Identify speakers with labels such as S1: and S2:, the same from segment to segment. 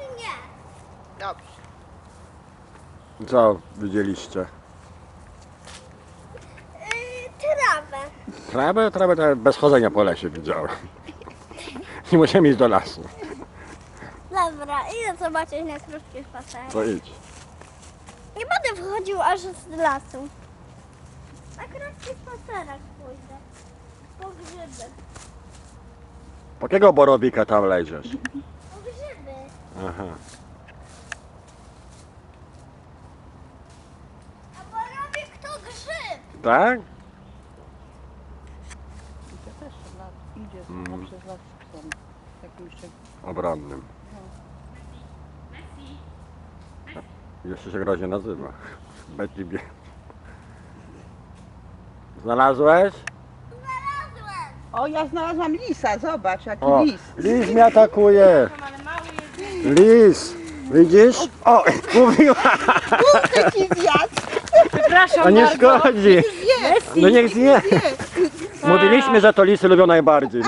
S1: czy nie?
S2: Dobrze.
S3: Co widzieliście?
S1: Trawę.
S3: Trawę to bez chodzenia po lesie widziałem. Nie musimy iść do lasu.
S1: Dobra, idę zobaczyć na krótki spacer.
S3: To idź.
S1: Nie będę wchodził aż z lasu. Na krótki spacerek pójdę. Po grzyby.
S3: Po jakiego borowika tam leziesz?
S1: Po grzyby.
S3: Aha.
S1: A borowik to grzyb.
S3: Tak?
S2: Idzie też idzie przez las z psem. Jakimś
S3: Obronnym. Jeszcze się groźnie nazywa. Betty Bie. Znalazłeś?
S1: Znalazłem.
S2: O, ja znalazłam lisa, zobacz, jaki
S3: O,
S2: lis.
S3: lis mnie atakuje. Lis. Widzisz? O, mówiła.
S2: Kurde ci zjadł.
S4: Przepraszam
S3: A nie
S4: bardzo.
S3: szkodzi. No niech zje. Mówiliśmy, że to lisy lubią najbardziej.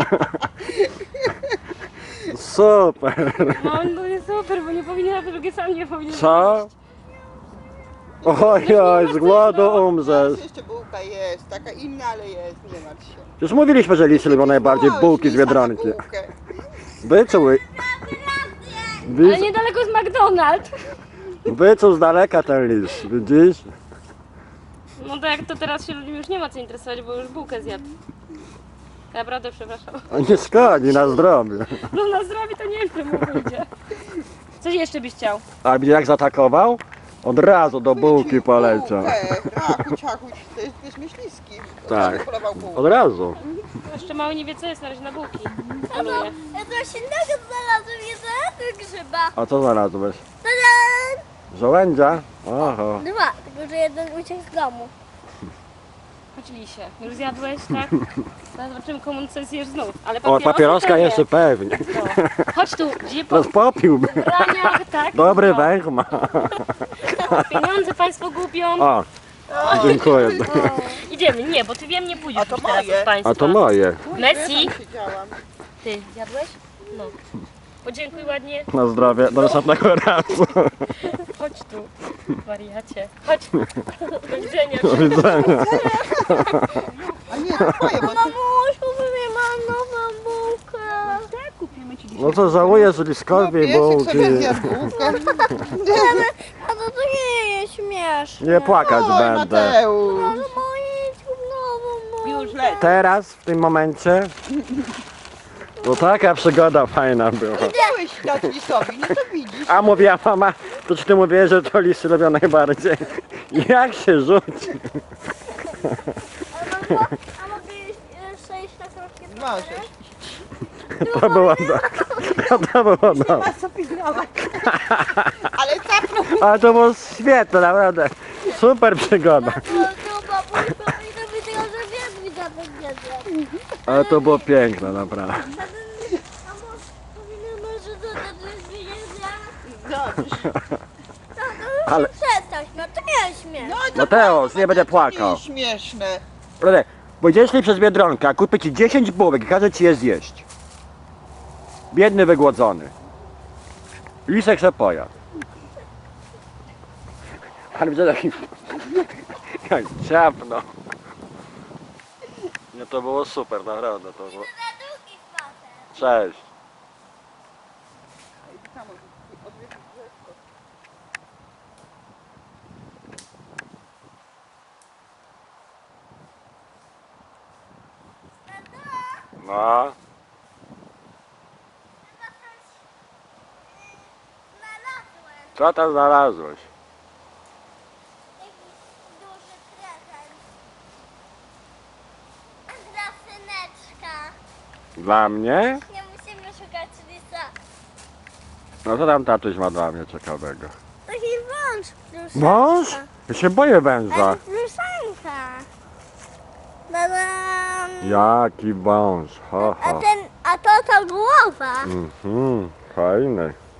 S3: Super.
S4: No, no jest super, bo nie powinien, a drugie sam nie powinien.
S3: Co? Ojoj, z głodu umrzesz.
S2: Jeszcze bułka jest, taka inna, ale jest, nie martw się.
S3: Już mówiliśmy, że lisy lubią najbardziej bułki z
S2: Lisa na
S3: Biedronki.
S2: bułkę.
S3: Wyczuł.
S4: Ale niedaleko jest McDonald's.
S3: Wyczuł z daleka ten lis, widzisz?
S4: No to jak to teraz się ludzi już nie ma co interesować, bo już bułkę zjadł. Naprawdę przepraszam.
S3: A nie szkodzi, na zdrowie.
S4: No na zdrowie to nie wiem, mu pójdzie. Coś jeszcze byś chciał?
S3: A widzisz jak zaatakował? Od razu do bułki poleciał.
S2: Rachu, ciachu, to jest myśliski.
S3: Tak.
S2: Polował bułkę.
S3: Od razu.
S4: Jeszcze mały nie wie co jest na razie na bułki.
S1: Ja
S4: Poluje.
S1: coś innego znalazłem, nie znalazłem grzyba.
S3: A co znalazłeś?
S1: Tadam!
S3: Żołędzia? Oho.
S1: Dwa, tylko że jeden uciekł z domu.
S4: Chodź lisie. Już zjadłeś, tak? Teraz zobaczymy komu coś zjesz znów. Ale
S3: O, papieroska
S4: to nie.
S3: jeszcze pewnie.
S4: No. Chodź tu, gdzie po
S3: To popiłby.
S4: braniach, tak?
S3: Dobry
S4: No.
S3: węch ma.
S4: Pieniądze państwo gubią.
S3: O, dziękuję.
S4: Idziemy, nie, bo ty wiem nie pójdziesz
S2: A to
S4: już teraz
S2: moje.
S4: od państwa.
S3: A to moje.
S4: Messi.
S2: Ja tam siedziałam.
S4: Ty, jadłeś? No. Podziękuj ładnie.
S3: Na zdrowie, do następnego razu.
S4: Chodź tu, wariacie. Chodź. Do widzenia.
S3: Do widzenia.
S2: A nie, to twoje, bo ty...
S1: Mamusiu, mam nową bułkę.
S2: Tak, kupimy ci
S3: No co, żałujesz liskowi
S2: piesek
S3: bułki.
S2: sobie zjadł bułkę.
S1: A to nie jest śmieszne.
S3: Nie płakać
S2: Oj,
S3: będę.
S2: Mateusz.
S1: Może mieć nową bułkę.
S2: Już leci.
S3: Teraz, w tym momencie, to taka przygoda fajna była.
S2: Chciałeś dać lisowi, no to widzisz.
S3: A mówiła mama, to czy ty mówiłeś, że to lisy lubią najbardziej? Jak się rzuci?
S1: A mogę jeszcze iść na krótkie spacery?
S2: Możesz.
S3: To było to było dobre.
S2: Ma co pilnować. Ale capnął.
S3: Ale to było świetne, naprawdę. Super przygoda.
S1: To babuś powinno być tylko, że wiedźmi za to wiedzie.
S3: Ale to było piękne, naprawdę.
S1: A może powinno że to wiedzie wiedzie?
S2: Dobrze.
S3: Ale-
S1: Przestań, no to nie jest śmieszne.
S2: No, to
S3: Mateusz, nie będę
S2: To
S3: płakał.
S2: nie jest śmieszne.
S3: Proszę, będziesz szli przez Biedronkę, a kupię ci 10 bułek i każę ci je zjeść. Biedny, wygłodzony. Lisek se pojadł. Ale widzę taki... Jak ciapno. Nie, to było super, naprawdę. To było...
S1: Na długi spacer.
S3: Cześć. No,
S1: Znalazłem
S3: co tam znalazłeś?
S1: jakiś duży prezent. Dla syneczka.
S3: Dla mnie?
S1: Nie musimy szukać lisa.
S3: No co tam tatuś ma dla mnie ciekawego?
S1: Taki wąż. Pluszenka.
S3: Wąż? Ja się boję węża.
S1: Ale pluszenka. Tadam.
S3: Jaki wąż, ho ho.
S1: A to ta głowa.
S3: Fajny.